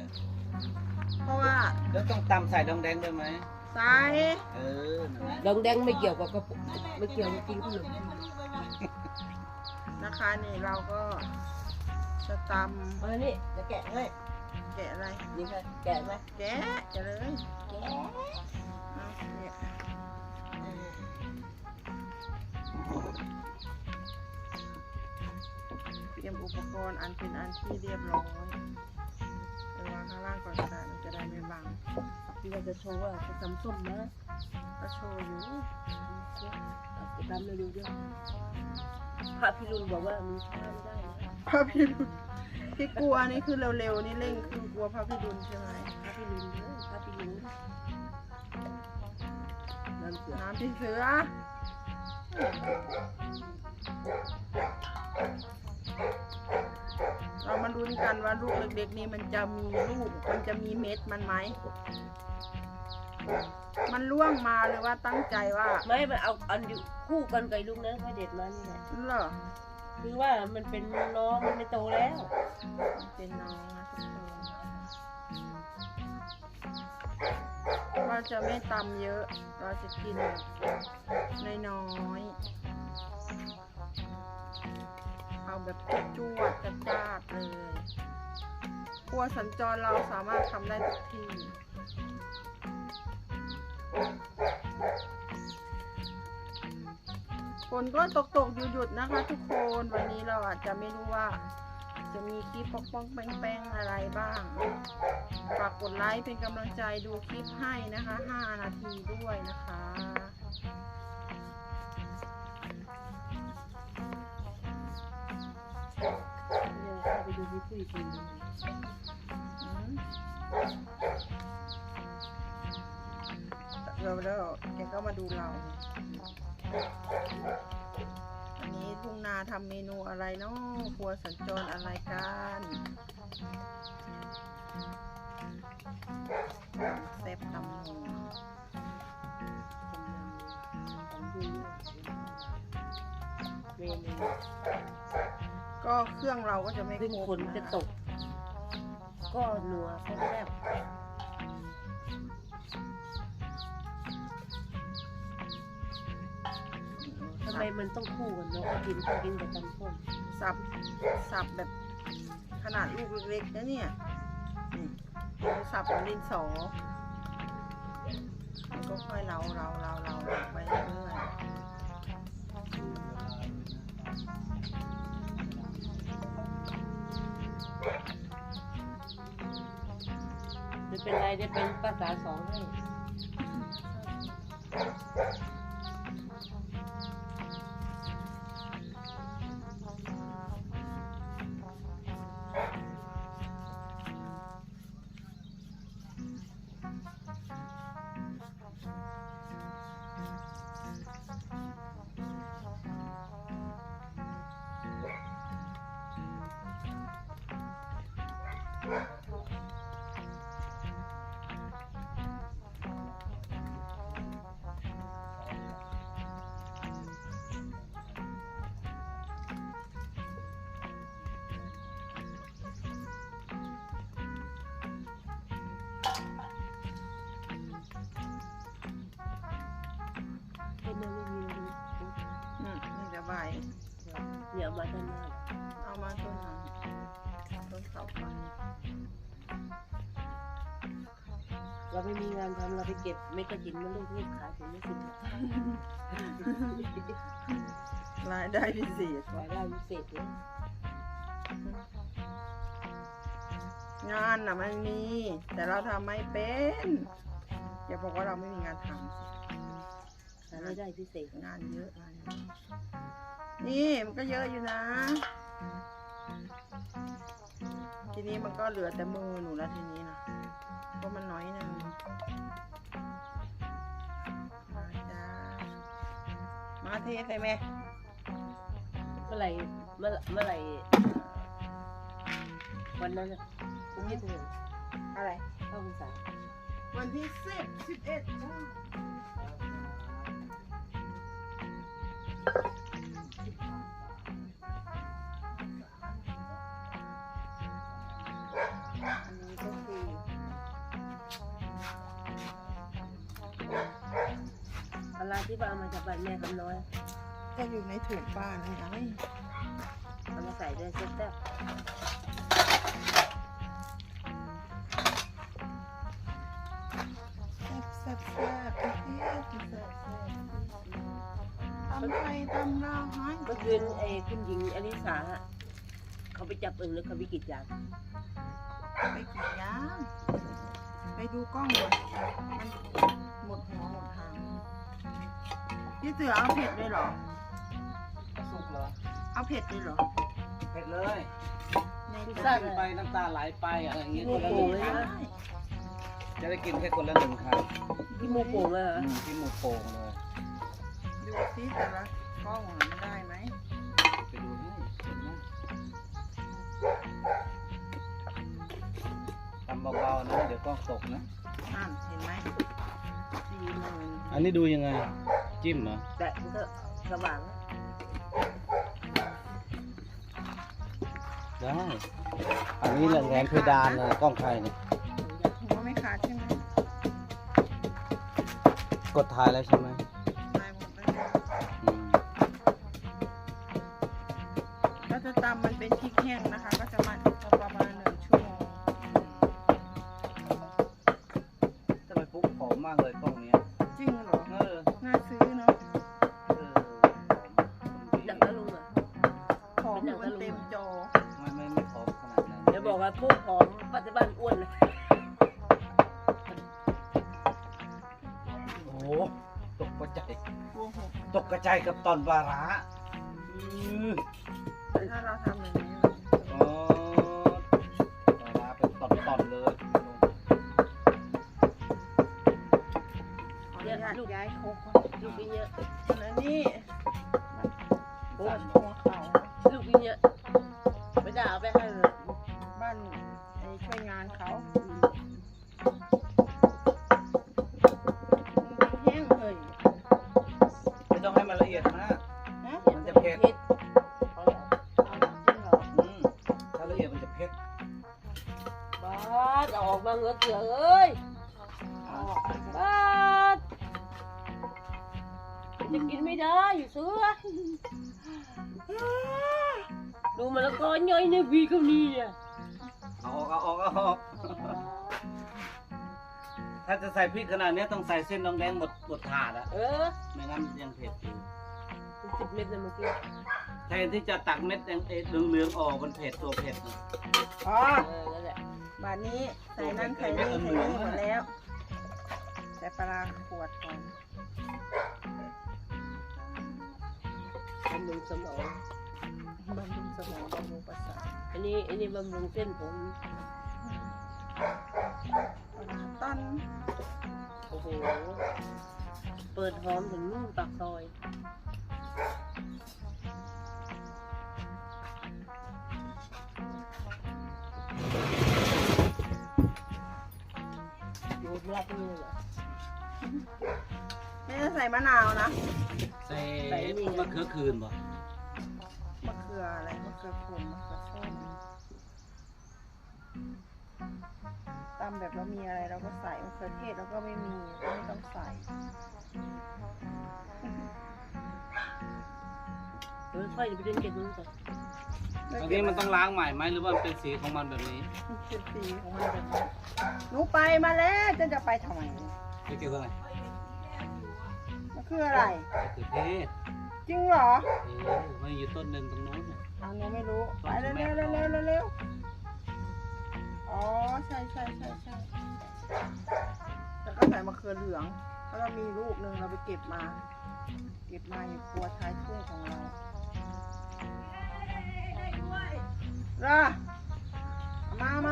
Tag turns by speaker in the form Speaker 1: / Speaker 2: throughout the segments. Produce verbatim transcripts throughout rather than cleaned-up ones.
Speaker 1: เพราะว่า
Speaker 2: แล้วต้องตำใส่ดองแดงด้วยไหม
Speaker 1: ใส่
Speaker 2: เออนั่นแหละ
Speaker 3: ดองแดงไม่เกี่ยวกับกระปุกไม่เกี่ยวกับกินขนม
Speaker 1: นะคะนี่เราก็จะต
Speaker 3: เออนี่จะแกะให้
Speaker 1: ำแกะอะไร
Speaker 3: นี่ค่ะแกะไหม
Speaker 1: แกะจะเลย
Speaker 3: แกะ
Speaker 1: เอาเนี่ยเตรียมอุปกรณ์อันเป็นอันที่เรียบร้อยไปวางข้างล่างก่อนก็ได้มันจะได้ไม่บัง
Speaker 3: พี่ว่าจะโชว์ว่าจะทำส้มนะ
Speaker 1: ก็โชว์อยู่
Speaker 3: จะทำเร็วๆด้วยพระพิรุณบอกว่ามีช้าไม่ได้นะ
Speaker 1: พระพิรุณที่กลัวนี่คือเร็วๆนี่เร่งคือกลัวพระพิรุณใช่ไหม
Speaker 3: พระพิรุณเด้อพระพิรุณน้ำเสือ
Speaker 1: น้ำพี่เสือเรามาลุ้นกันว่าลูกเล็กๆนี่มันจะมีลูกมันจะมีเม็ดมันไหมมันล่วงมาหรือว่าตั้งใจว่า
Speaker 3: ไม่มันเอาอันอยู่คู่กันกับลูกนั้นค่อยเด็ดมานี่แหละ
Speaker 1: เหรอ
Speaker 3: คือว่ามันเป็นน้องมันไม่โตแล้ว
Speaker 1: เป็นน้องนะทุกคนเราจะไม่ตำเยอะ เราจะกินน้อยๆเอาแบบจวดๆจ้าดๆเลยครัวสัญจรเราสามารถทำได้ทุกที่ฝนก็ตกตกหยุดหยุดๆนะคะทุกคนวันนี้เราอาจจะไม่รู้ว่า จะมีคลิปปองปองแป้งๆอะไรบ้างฝากกดไลค์เป็นกำลังใจดูคลิปให้นะคะห้านาทีด้วยนะคะ
Speaker 3: เดี๋ยวเข้าไปดูพี่ปุ้ยกิน
Speaker 1: อืมเราแล้วแกก็มาดูเราอันนี้ทุ่งนาทำเมนูอะไรเนาะครัวสัญจรอะไรกันแซ่บตำนัว
Speaker 3: เมนู
Speaker 1: ก็เครื่องเราก็จะไม่
Speaker 3: ซึ่ง
Speaker 1: ครบ
Speaker 3: ฝนจะตก ก็นัวแซ่บทำไมมันต้องคู่กันเนาะกินกินกับตำส้ม
Speaker 1: สับสับแบบขนาดลูกเล็กๆนะเนี่ยนี่เราสับเป็นดินสอมันก็ค่อยเราเราเราเราไปเรื่อยๆ
Speaker 3: ไม่เป็นไรได้เป็นภาษาสองให้ เป็นยังไม่มีเลย
Speaker 1: อืมนี่จะใบ
Speaker 3: เดี๋ยวมาด้านหน้า
Speaker 1: เอามาต้นนั้นต้นเสาไฟ
Speaker 3: เราไม่มีงานทำเราไปเก็บเม็ดกระถินมาลูกนี่ขายถึงไม่สิบ
Speaker 1: รายได้พิเศษ
Speaker 3: รายได้พิเศษเลย
Speaker 1: งานน่ะมันมี แต่เราทำไม่เป็นอย่าบอกว่าเราไม่มีงานท
Speaker 3: หารายได้พิเศษ
Speaker 1: ำงานเยอะงานเยอะนี่มันก็เยอะอยู่นะ ทีนี้มันก็เหลือแต่มือหนูแล้วทีนี้นะเพราะมันน้อยหนึงมาจ้ามาเทใส่ไหม
Speaker 3: เมื่อไหร่เมื่อเมื่อไหร่วันนั้นอะคุณยี่สิบ
Speaker 1: อะไร
Speaker 3: เข้าพรรษา
Speaker 1: วันที่สิบสิบเอ็ดจ้าอันนี้ก็คือ
Speaker 3: ที่ว่าเอามาจากบ้านแม่คำน้อย
Speaker 1: ก็อยู่ในถุงป้านะไง
Speaker 3: เอามาใส่ด้วยแซ่บ
Speaker 1: แซ่บแซ่บแซ่บแซ่บแซ่บแซ่บตำไทยตำลาวให้
Speaker 3: ๆเมื่อคืนไอ้คุณหญิงอลิสาอะเขาไปจับอึ่งแล้วเขาไปกรีดยาง
Speaker 1: ไปกี่ย่างไปดูกล้องก่อนมันหมดหัวหมดหางพี่เสือเอาเผ็ดเลยเหรอ
Speaker 2: สุกเหรอ
Speaker 1: เอาเผ็ดเลยเหรอ
Speaker 2: เผ็ดเลย
Speaker 1: ใน
Speaker 3: พิซ
Speaker 1: ก
Speaker 3: ซ่า
Speaker 1: ระ
Speaker 2: กินไปน้ำตาไหลไปอะไรอย่างเงี้ย
Speaker 3: โอ้
Speaker 2: คนละ
Speaker 3: โห
Speaker 2: หนึ่ง
Speaker 3: เลย
Speaker 2: ครั้ง
Speaker 3: นะ
Speaker 2: จะได้กินแค่คนละหนึ่งครั้ง
Speaker 3: ที่มูโป่งเลยเหรอ
Speaker 2: อืมกินหมูโป่งเลย
Speaker 1: ดูซิแต่ละกล้องมันได้ไหม
Speaker 2: ไปดูให้เห็นไหมทำเบาๆนะเดี๋ยวกล้องตกนะ
Speaker 1: นั่นเห็นไหมสี่หมื่น
Speaker 2: อันนี้ดูยังไง จิ้มเหรอ
Speaker 3: แต่มันก็สว่าง
Speaker 2: ได้ อันนี้แหละแหวนเพดานเลยกล้องใครเนี่ย
Speaker 1: หัวไม่ขาดใช่ไหม
Speaker 2: กดถ่ายแล้วใช่ไหม
Speaker 1: ตายหมดแล้ว
Speaker 2: อืม
Speaker 1: ก็จะตำมันเป็นพริกแห้งนะคะ ก็จะมันประมาณหนึ่งชั่วโมง
Speaker 2: ทำไมปุ๊บผอมมากเลยกล้องเนี้ย
Speaker 1: จริงเหรอ
Speaker 2: เออ
Speaker 1: น่าซื้อเนาะ
Speaker 2: เออ
Speaker 3: ดังตะลุงอ่ะ
Speaker 1: ของมันเต็มจอ
Speaker 2: ไม่ไม่ไม่ผอมขนาดนั้น
Speaker 3: เดี๋ยวบอกว่าพวกผอมปัจจุบันอ้วนเลย
Speaker 2: โอ้โหตกกระจาย
Speaker 1: กลัวหก
Speaker 2: ตกกระจายกับตอนวาระอือ
Speaker 1: ถ้าเราทำอย่างนี้
Speaker 2: อ๋อวาระเป็นตอนๆเลย
Speaker 1: ขออนุญาตย้ายโคกก่อน
Speaker 3: ลูกกินเยอะ
Speaker 1: ส่วนอันนี้
Speaker 2: โอ้
Speaker 1: หัวเขา
Speaker 3: ลูกกินเยอะไม่ได้เอาไปให้เลย
Speaker 1: บ้านไอ้ช่วยงานเขาแห้งเลย
Speaker 2: ไม่ต้องให้มันละเอียดมาก
Speaker 1: นะ
Speaker 2: มันจะเผ็ด
Speaker 3: เอาเหรอ
Speaker 1: เอาจริงเหรอ
Speaker 2: อืมถ้าละเอียดมันจะเผ็ด
Speaker 3: บ้าสเอาออกมาเงือกเสือเอ้ย
Speaker 1: เอาออกไปก่อน
Speaker 3: บ้าสจะกินไม่ได้อยู่เสือดูมันแล้วก็ย่อยในวีเขานี่เนี่ย
Speaker 2: เอาออกเอาออกเอาออกถ้าจะใส่พริกขนาดนี้ต้องใส่เส้นน้องแดงหมดหมดถาดอะ
Speaker 3: เออ
Speaker 2: ไม่งั้นยังเผ็ดอยู่
Speaker 3: สิบเม็ดเลยเมื่อกี้
Speaker 2: แทนที่จะตักเม็ดแดงเอ็ดเหลืองๆออกมันเผ็ดตัวเผ็ดนะ
Speaker 1: อ๋อ
Speaker 3: เออนั่นแหละ
Speaker 1: บาทนี้ใส่นั่นใส่นี่ใส่นี่หมดแล้วใส่ปลาร้าขวดก่อน
Speaker 3: บำรุงสมอง
Speaker 1: บำรุงสมองบำรุงประสาท
Speaker 3: อันนี้อันนี้บำรุงเส้นผม
Speaker 1: ต้น
Speaker 3: โอ้โห เปิดหอมถึงนู่นปากซอยดูดรักนี่เหรอ
Speaker 1: ไม่ได้ใส่มะนาวนะ
Speaker 2: ใส่มะเขือคืนป่ะ
Speaker 1: มะเขืออะไรมะเขือขมมะเขือส้มตำแบบเรามีอะไรเราก็ใส่มะเขือเทศเราก็ไม่มีก็ไม่ต้องใส่
Speaker 3: เออค่อยไปเดินเก็บนู่นก่อน
Speaker 2: อันนี้มันต้องล้างใหม่ไหมหรือว่ามันเป็นสีของมันแบบนี้
Speaker 1: เป็นสีของมันแบบนี้หนูไปมาแล้วจะจะไปทำไม
Speaker 2: ไม่เกี่ยวกับอะไร
Speaker 1: มันคืออะไร
Speaker 2: มะเขือเทศ
Speaker 1: จริงเหรอ
Speaker 2: เออมันอยู่ต้นหนึ่งตรงนู้นน่ะ
Speaker 1: เอาหนูไม่รู้ไปเร็วเร็วเร็วเร็วเร็วเร็วอ๋อใช่ใช่ใช่ใช่แล้วก็ใส่มะเขือเหลืองเพราะเรามีลูกหนึ่งเราไปเก็บมา เก็บมาอยู่ครัวท้ายทุ่งของเราล่ะมามา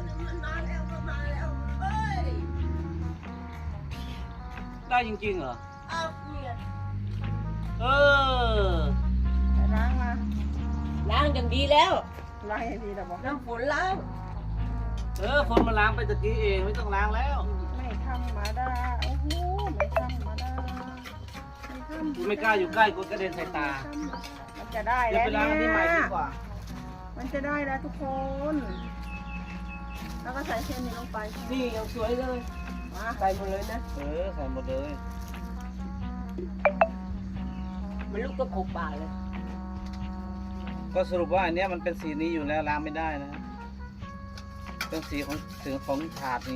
Speaker 2: ได้จริงๆเหรอ
Speaker 3: อ้าวเนี่ย
Speaker 2: เออ
Speaker 1: ไปล้างมา
Speaker 3: ล้างอย่างดีแล้ว
Speaker 1: ล้างให้ดีแต่บอก
Speaker 3: น้ำฝนล้าง
Speaker 2: เออฝนมาล้างไปตะกี้เองไม่ต้องล้างแล้ว
Speaker 1: ไม่ธรรมดาโอ้โหไม่ธรรมดาไม่ธรรมดา
Speaker 2: ไม่กล้าอยู่ใกล้กลัวกระเด็นใส่ตา
Speaker 1: มันจะได้
Speaker 2: เดี๋ยว
Speaker 1: แล้ว
Speaker 2: ไปล้างอัน
Speaker 1: เนี่
Speaker 2: ที่ใหม่ดี
Speaker 1: ย
Speaker 2: กว่า
Speaker 1: มันจะได้แล้วทุกคน แล้วก็ใส่เส้นนี้ลงไป
Speaker 3: นี่ยังสวยเลย
Speaker 1: มา
Speaker 3: ใส่หมดเลยนะ
Speaker 2: เออใส่หมดเลย
Speaker 3: มันลูกก็ขบปากเลย
Speaker 2: ก็สรุปว่าอันเนี้ยมันเป็นสีนี้อยู่แล้วล้างไม่ได้นะเป็นสีของสีของถาดนี้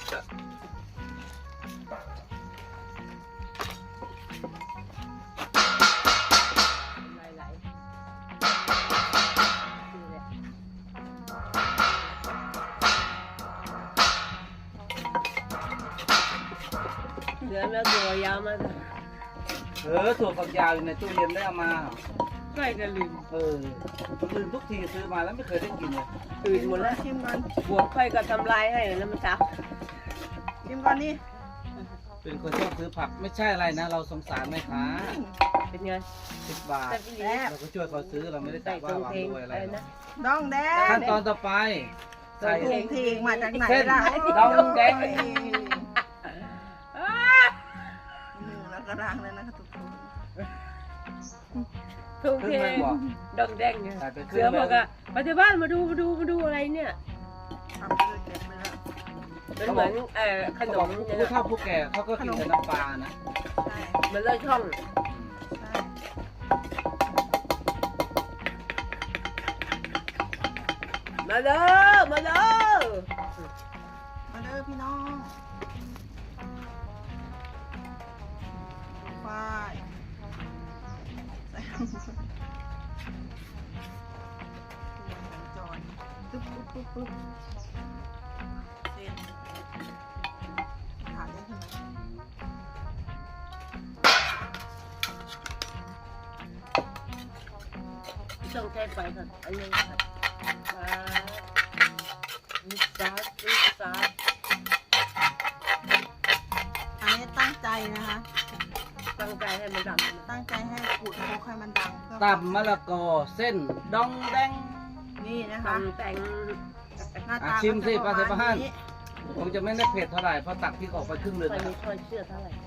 Speaker 3: ไหลไหลนี่แหละเหลือแล้วตัวยาวมาก
Speaker 2: เออถั่วฝักยาวอยู่ในตู้เย็นได้เอามา
Speaker 3: ใกล้จะลืม
Speaker 2: เออมันลืมทุกทีซื้อมาแล้วไม่เคยได้กินเลย
Speaker 3: ตื่นหมดแล้ว
Speaker 1: ชิมก่อน
Speaker 3: บวกค่อยก็ทำลายให้แล้วมันซัก
Speaker 1: ชิมก่อนนี่
Speaker 2: เป็นคนชอบซื้อผักไม่ใช่อะไรนะ เราสงสารแม่ค้า
Speaker 3: เป็นไง
Speaker 2: สิบบาท
Speaker 3: แต่พี่ลี
Speaker 2: เราก็ช่วยเขาซื้อเราไม่ได้
Speaker 3: ใส่
Speaker 2: จ่าย
Speaker 3: ตร
Speaker 2: ว่าง วาง
Speaker 3: เพลง
Speaker 2: ด้วยอะ
Speaker 3: อะไร ไร
Speaker 2: หรอก
Speaker 3: นะ
Speaker 1: ดองแดง
Speaker 2: ขั้นตอนต่อไปใส่
Speaker 1: ถุงทิ้งมาจากไหน
Speaker 2: เส้น
Speaker 1: ล่ะ
Speaker 2: ดองแดง
Speaker 1: โอ้ยมือแล้วก็ล้างแล้วนะคะทุกคน
Speaker 3: ทุ่ง
Speaker 2: ครึ่
Speaker 3: เพ
Speaker 2: ง
Speaker 3: ล
Speaker 2: แม
Speaker 3: ง
Speaker 2: งบอก
Speaker 3: ดองแดงเนี่ย
Speaker 2: ใส่ไปครึ่
Speaker 3: เสื
Speaker 2: ง
Speaker 3: อ
Speaker 2: แม
Speaker 3: บอก
Speaker 2: ง
Speaker 3: อะมาที่บ้านมาดูมาดูมาดูอะไรเนี่ย
Speaker 1: ทำไปเลยเก็บไปแล้ว
Speaker 3: มันเหมือนเอ่อขน
Speaker 2: เขาบอก
Speaker 3: ม
Speaker 2: ผู้
Speaker 3: เนี่ย
Speaker 2: เฒ่าผู้แก่เขาก็กินแต่น้ำปลานะ
Speaker 1: ใช่
Speaker 3: มันเลยช่อง
Speaker 1: ใช่
Speaker 3: มาเด้อมาเด้อ
Speaker 1: มาเด้อพี่น้องฝ้ายใส่จอนปึ๊บปึ๊บปึ๊บปึ๊บเส้นขาดได้ใช่ไหม
Speaker 3: ต้องใช้ไฟก่อนอันนี้ค่ะมาลูกสาวลูกสาว
Speaker 1: อันนี้ตั้งใจนะคะ
Speaker 3: ตั้งใจให้มันดำ
Speaker 1: ตั้งใจให้ขูดโคกให้มันดังเพื่อ
Speaker 2: ตำมะละกอเส้นดองแดง
Speaker 1: นี่นะคะ
Speaker 3: ทำแต่ง
Speaker 1: หน้า
Speaker 2: อ่ะ
Speaker 1: ตา
Speaker 2: ชิมสิ
Speaker 1: ก็จะ
Speaker 2: ป้าเสพาห้าน
Speaker 1: นี้
Speaker 2: ผมจะไม่ได้เผ็ดเท่าไหร่เพราะตักพริกออกไปครึ่งหนึ่ง
Speaker 3: ไม่
Speaker 2: นะค
Speaker 3: มี
Speaker 2: รับ
Speaker 3: ช้อนเชื่อเท่าไหร่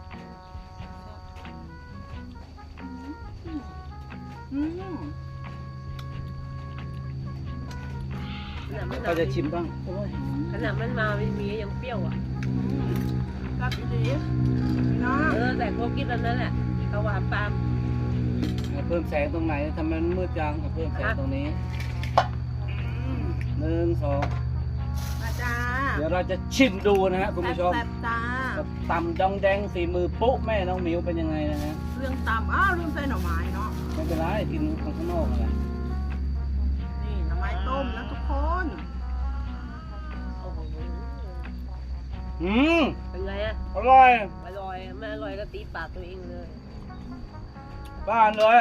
Speaker 1: อืม
Speaker 3: ขนาดมัน
Speaker 2: ก็จะชิมบ้างโอ้ย
Speaker 3: ขนาดมันมาไม่มียังเปรี้ยวอ่ะ
Speaker 1: กับอีดีพี่น้อง
Speaker 3: เออแต่โคกินตอนนั้นแหละเขาหวานปาล์ม
Speaker 2: เพิ่มแสงตรงไหนทำไมมันมืดจังเพิ่มแสงตรงนี้หนึ่งสอง
Speaker 1: มาจ้า
Speaker 2: เดี๋ยวเราจะชิมดูนะฮะคุณผู้ชม
Speaker 1: แซ่บๆจ้า
Speaker 2: ตำดองแดงฝีมือปุ๊แม่น้องหมิวเป็นยังไงนะฮะ
Speaker 1: เรื่องตำอ้าวลืมใส่หน่อไม้เนาะ
Speaker 2: ไม่เป็นไรกินข้างนอกอะไร
Speaker 1: นี่หน่อไม้ต้มนะทุกคน
Speaker 3: โอ้โห
Speaker 2: อืม
Speaker 3: เป็นไงอ่ะ
Speaker 2: อร่อย
Speaker 3: อร่อยไม่อร่อยก็ตีปากตัวเองเลย
Speaker 2: บ้านเลย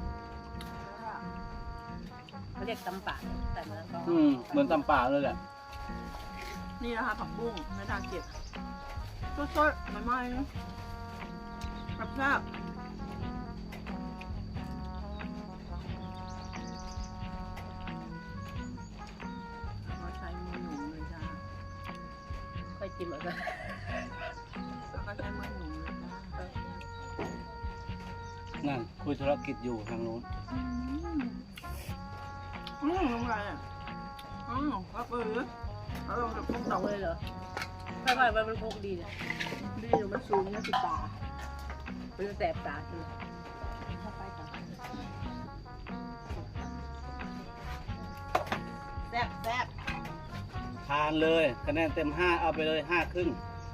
Speaker 3: เขาเรียกตำปากแต่มันก็
Speaker 2: อืมเหมือนตำป่าเลยแหละ
Speaker 1: นี่นะคะผักบุ้งไม่ทาเก็บสดๆใหม่ๆแบบแซ่บเราใช้มือหนุ่มเลยจ้า
Speaker 3: ค่อยจิ้มเอาซะ
Speaker 1: แล้วก็ใช้มือหนุ่มเลยจ้า
Speaker 2: นั่นคุยธุรกิจอยู่ทางโน้น
Speaker 1: อืมอืมลงไปอ่ะอืมก็คือเอาลงกับพวก
Speaker 3: ส
Speaker 1: เต่า
Speaker 3: อง
Speaker 1: เล
Speaker 3: เลย ยเหรอค่อยๆมันโคกดีเนี่ย
Speaker 1: ดีอยู่มันสูงเนี่ยสิตา
Speaker 3: มันจะแสบตาใช่ไหมเข้าไปก่อน
Speaker 1: แซ่บแซ่บ
Speaker 2: ทานเลยคะแนนเต็มห้าเอาไปเลยห้าครึ่ง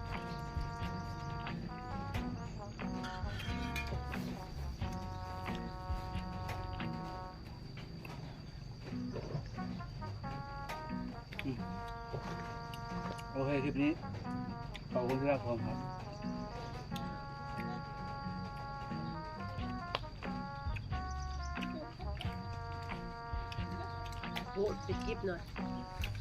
Speaker 2: อืมโอเคคลิปนี้ขอบคุณที่รับชมครับ
Speaker 3: โอ้ปิดกิ๊บหน่อย